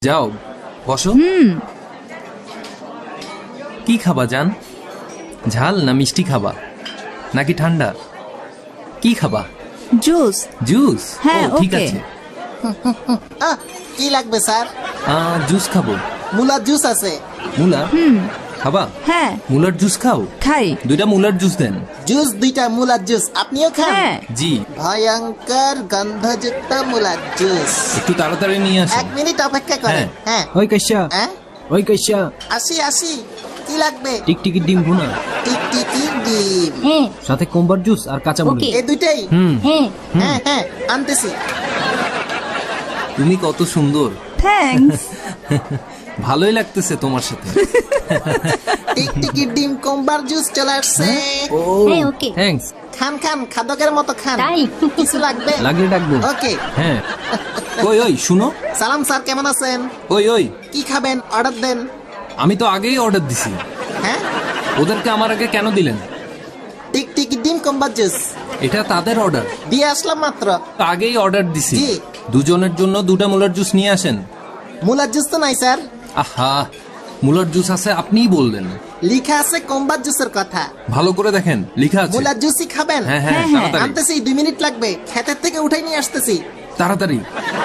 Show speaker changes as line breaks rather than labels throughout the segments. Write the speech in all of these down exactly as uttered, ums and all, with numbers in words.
যাও বসো। হুম কি খাবা জান? ঝাল না মিষ্টি খাবা নাকি ঠান্ডা? কি খাবা?
জুস।
জুস?
হ্যাঁ,
ও, ঠিক
ওকে।
আছে।
আহ, কি লাগবে স্যার?
আহ, জুস খাবো।
মুলার জুস আছে।
মুলা
হুম
খাবা?
হ্যাঁ
মুলার জুস খাও।
খাই।
দুইটা মুলার জুস দেন।
জুস দুইটা মুলার জুস আপনিও খান?
হ্যাঁ
জি।
ভয়ঙ্কর গন্ধযুক্ত মুলার জুস।
একটু তাড়াতাড়ি নিয়ে আসেন।
এক মিনিট অপেক্ষা করেন। হ্যাঁ
ওই কাইসা
হ্যাঁ
ওই কাইসা
আসি আসি কি লাগবে?
টিকটিকি ডিম ভুনা
টিকটিকি ডিম
হ্যাঁ
সাথে কোম্বার জুস আর কাঁচা মরিচ।
ওকে।
এই দুইটাই?
হুম
হ্যাঁ
হ্যাঁ হ্যাঁ আনতেছি।
তুমি কত সুন্দর।
থ্যাঙ্কস।
ভালোই লাগতেছে তোমার সাথে।
টিকটিকি ডিম কোম্বার জুস চলে আসছে।
ও
হ্যাঁ, ওকে।
থ্যাঙ্কস।
খান খান খাদকের মতো খান।
তাই?
কিছু লাগবে?
লাগলে ডাকবো।
ওকে।
হ্যাঁ ওই ওই শুনো।
সালাম স্যার, কেমন আছেন?
ওই ওই
কি খাবেন অর্ডার দেন।
আমি তো আগেই অর্ডার দিছি।
হ্যাঁ
ওদেরকে আমার আগে কেন দিলেন?
টিকটিকি ডিম কোম্বার জুস
এটা তাদের অর্ডার।
দিয়ে আসলাম মাত্র।
আগেই অর্ডার দিছি।
জি।
দুজনের জন্য দুটা মুলার জুস নিয়ে আসেন।
মুলার জুস তো নাই স্যার।
আহা মুলার জুস আছে আপনিই বললেন।
লিখা আছে কোম্বার জুসের কথা।
ভালো করে দেখেন লেখা আছে।
মুলার জুসই খাবেন?
হ্যাঁ হ্যাঁ
হ্যাঁ, হ্যাঁ।
তাড়াতাড়ি
আনতেছি, দুই মিনিট লাগবে। ক্ষেতের থেকে উঠাই নিয়ে আসতেছি।
তাড়াতাড়ি।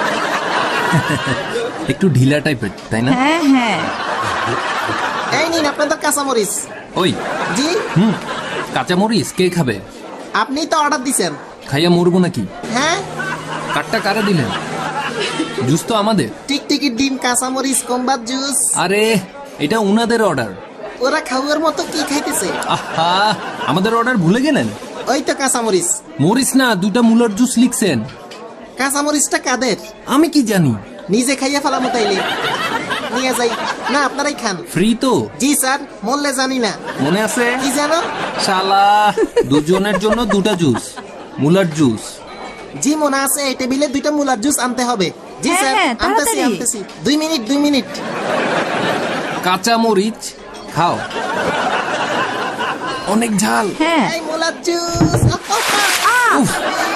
একটু ঢিলা টাইপের তাই না?
হ্যাঁ হ্যাঁ
এই নিন আপনাদের কাঁচামরিচ।
ওই
জি
হুম কাঁচামরিচ কে খাবে?
আপনি তো অর্ডার দিছেন।
খাইয়া মরবো নাকি?
হ্যাঁ
কাটটা কারা দিলেন? জুস তো আমাদের।
টিকটিকি ডিম কাঁচামরিচ কোম্বার জুস।
আরে এটা উনাদের অর্ডার।
ওরা খাওয়ার মতো কি খাইতেছে?
আহা আমাদের অর্ডার ভুলে গেলেন?
ওই তো কাঁচামরিচ।
মরিস না দুটা মুলার জুস লিখছেন।
কাঁচামরিচটা কাদের?
আমি কি জানি।
নিজে খাইয়া ফেলামো তাইলে। নিয়ে যাই না, আপনারাই খান।
ফ্রি তো?
জি স্যার, মরলে জানি না।
মনে আছে?
কি জানো?
শালা দুজনের জন্য দুটা জুস মুলার জুস।
জি মনে আছে, এই টেবিলে দুইটা মুলার জুস আনতে হবে। জি
হ্যাঁ,
স্যার
হ্যাঁ,
আনতেছি
তাড়াতাড়ি।
আনতেছি। দুই মিনিট দুই মিনিট।
কাঁচা মরিচ খাও। অনেক ঝাল।
হ্যাঁ
এই মুলার জুস।
উফ।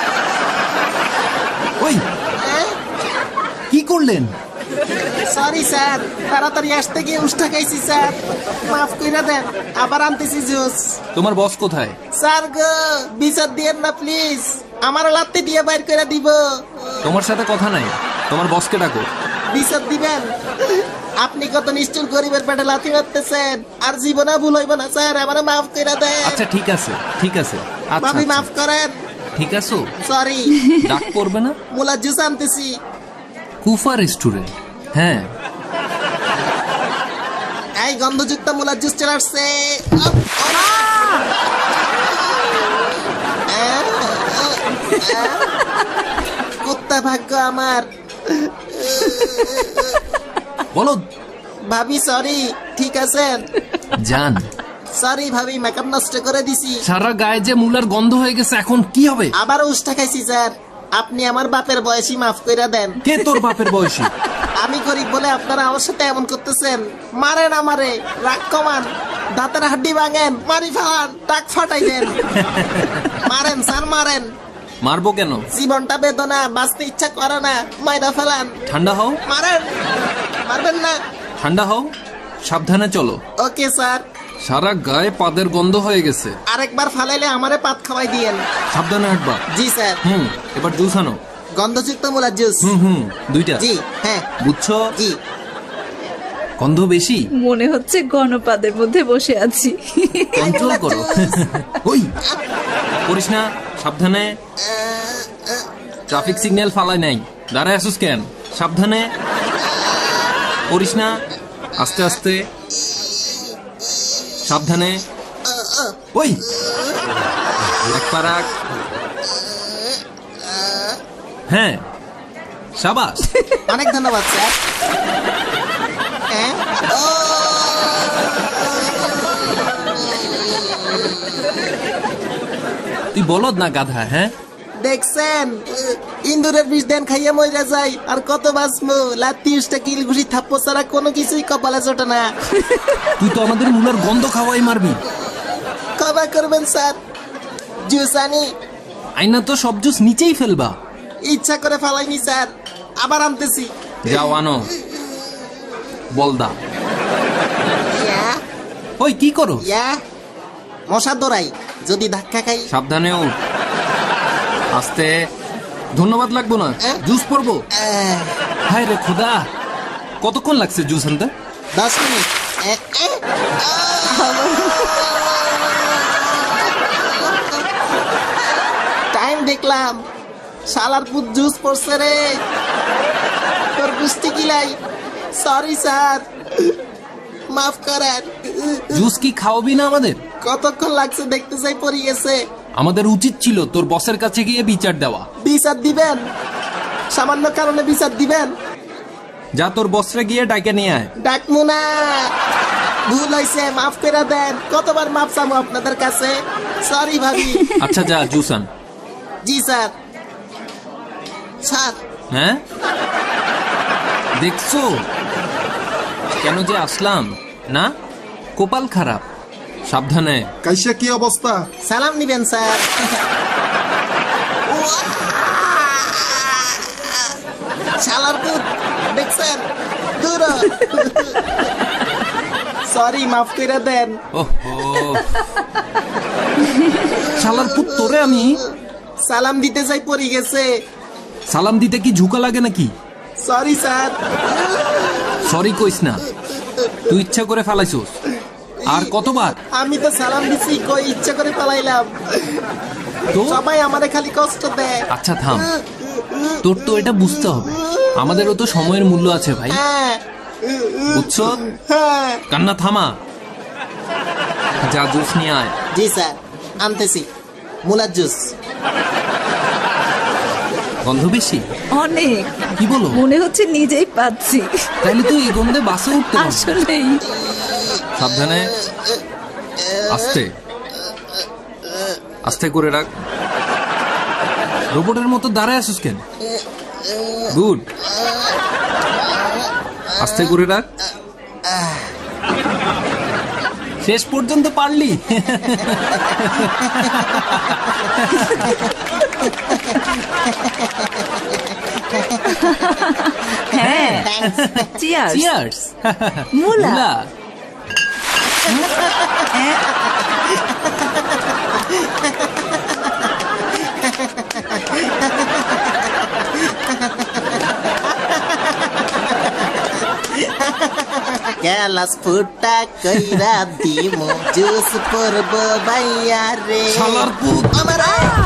ওই কি করলেন?
সরি স্যার, তাড়াতাড়ি আসতে গিয়ে উষ্টা খাইছি স্যার, মাফ কইরা দেন। আবার আনতেছি জুস।
তোমার বস কোথায়?
স্যার গো, বিচার দিয়েন না প্লিজ, আমার লাত্তি দিয়ে বাইর করে দিব।
তোমার সাথে কথা নাই, তোমার বসকে ডাকো।
বিচার দিবেন? আপনি কত নিষ্ঠুর গরিবের পেটে লাথি মারতেছেন। আর জীবনে ভুল হইব না স্যার, আমারে মাফ কইরা দেন।
আচ্ছা ঠিক আছে ঠিক আছে। আচ্ছা
ভাবি
আচ্ছা।
মাফ করেন।
ঠিক আছে
সরি।
ডাক করবে না।
মুলার জুস আনতেছি।
কুফা রেস্টুরেন্ট। হ্যাঁ
এই গন্ধযুক্ত মুলার জুস চলে আসছে। কুত্তা ভাগ্য আমার।
বলো।
ভাবি সরি, ঠিক আছেন?
জান
সরি ভাবি, মেকআপ নষ্ট করে দিছি।
সারা গায়ে যে মুলার গন্ধ হয়ে গেছে, এখন কি হবে?
আবার উষ্টা খাইছি স্যার, আপনি আমার বাপের বয়সী, মাফ কইরা দেন।
কে তোর বাপের বয়সী?
আমি গরিব বলে আপনারা আমার সাথে এমন করতেছেন। মারেন আমারে, রাগ কমান, দাঁতের হাড্ডি ভাঙেন, মারি ফেলান, টাক ফাটাই দেন। মারেন স্যার মারেন।
মারবো কেন?
জীবনটা বেদনা, বাঁচতে ইচ্ছা করে না, মাইরা ফেলান।
ঠান্ডা হও।
মারেন, মারবেন না।
ঠান্ডা হও, সাবধানে চলো।
Okay sir.
সারা গায়ে পাদের গন্ধ হয়ে গেছে।
আরেকবার ফালাইলে আমারে পাত খাওয়াই দিয়েন।
সাবধানে হাঁটবা।
জি স্যার।
হুম এবার জুস আনো।
গন্ধযুক্ত মুলার জুস।
হুম হুম দুইটা।
জি হ্যাঁ।
বুঝছো?
জি।
গন্ধ বেশি।
মনে হচ্ছে গণপাদের মধ্যে বসে আছি।
কন্ট্রোল করো। ওই করিস না, সাবধানে। ট্রাফিক সিগন্যাল ফালাই নাই, দাঁড়ায় আসুস কেন? সাবধানে করিস না, আস্তে আস্তে সাবধানে। ওই এক পা রাখ। হ্যাঁ সাবাস।
অনেক ধন্যবাদ স্যার। হ্যাঁ? ও!
তুই বলদ না গাধা। হ্যাঁ
দেখছেন, ইন্দুরের বিষ দেন খাইয়া মইরা যাই, আর কত বাঁচমু। লাত্তি উষ্টা কিল ঘুষি থাপ্পো ছাড়া কোনো কিছুই কপালে জোটে না।
তুই তো আমাদের মুলার গন্ধ খাওয়াই মারবি।
ক্ষমা করবেন স্যার, জুস আনি।
আইনা তো সব জুস নিচেই ফেলবা।
ইচ্ছা করে ফালাইনি স্যার, আবার আনতেছি।
যাও আনো। বলদা।
ইয়া
ওই কি করো?
ইয়া মশা দৌড়াই, যদি ধাক্কা খাই।
সাবধানে উঠ। আস্তে। ধন্যবাদ লাগবো না,
এ?
জুস পড়বো।
আহ,
হায় রে খোদা, কতক্ষণ লাগছে জুস আনতে?
দশ মিনিট। এ, এ, টাইম দেখলাম, শালার পুত জুস পড়ছে রে। তোর গুষ্টি গিলাই। সরি স্যার, মাফ করেন।
জুস কি খাওয়াবি না আমাদের?
কতক্ষণ লাগছে দেখতে চাই, পড়ে গেছে।
আমাদের উচিত ছিল তোর বসের কাছে গিয়ে বিচার দেওয়া।
বিচার দিবেন? সামান্য কারণে বিচার দিবেন?
যা তোর বসরে গিয়ে ডাইকে নিয়ে আয়।
ডাকমু না, ভুল হয়েছে, মাফ করে দেন। কতবার মাফ চামু আপনাদের কাছে। সরি ভাবি।
আচ্ছা যা জুস আন।
জি স্যার। স্যার
হ্যাঁ দেখছো কেন যে আসলাম না? কপাল খারাপ, সাবধানে।
কাইসা কি অবস্থা?
সালাম নিবেন স্যার। শালার পুত দেখছেন, দূর হ। সরি, মাফ করে দেন।
ওহো, শালার পুত তোরে আমি
সালাম দিতে যাই পড়ে গেছে।
সালাম দিতে কি ঝুঁকা লাগে নাকি?
Sorry sir.
সরি কইস না, তুই ইচ্ছা করে ফেলাইছোস। আর কতবার?
আমি তো সালাম দিছি, কই ইচ্ছা করে পালাইলাম।
তো
সবাই আমারে খালি কষ্ট দেয়।
আচ্ছা থাম, তোর তো এটা বুঝতে হবে, আমাদেরও তো সময়ের মূল্য আছে ভাই,
হ্যাঁ
বুঝছো?
হ্যাঁ।
কান্না থামা, যা জুস নিয়ে আয়।
জি স্যার, আনতেছি। মুলার জুস।
গন্ধ বেশি?
অনেক,
কি বলো?
মনে হচ্ছে নিজেই পাচ্ছি।
তাইলে তুই এই গন্ধে বাসে উঠতে পারবি।
আসলেই
সাবধানে, আস্তে আস্তে করে রাখ। রোবটের মতো দাঁড়ায় আসিস কেন? গুড, আস্তে করে রাখ। শেষ পর্যন্ত পারলি।
হ্যাঁ। চিয়ার্স।
চিয়ার্স।
মুলা।
মুলা।
গ্যালাস ফুটা কইরা দিমু জুস পরব বাইয়া রে।
শালার পুত।
আমার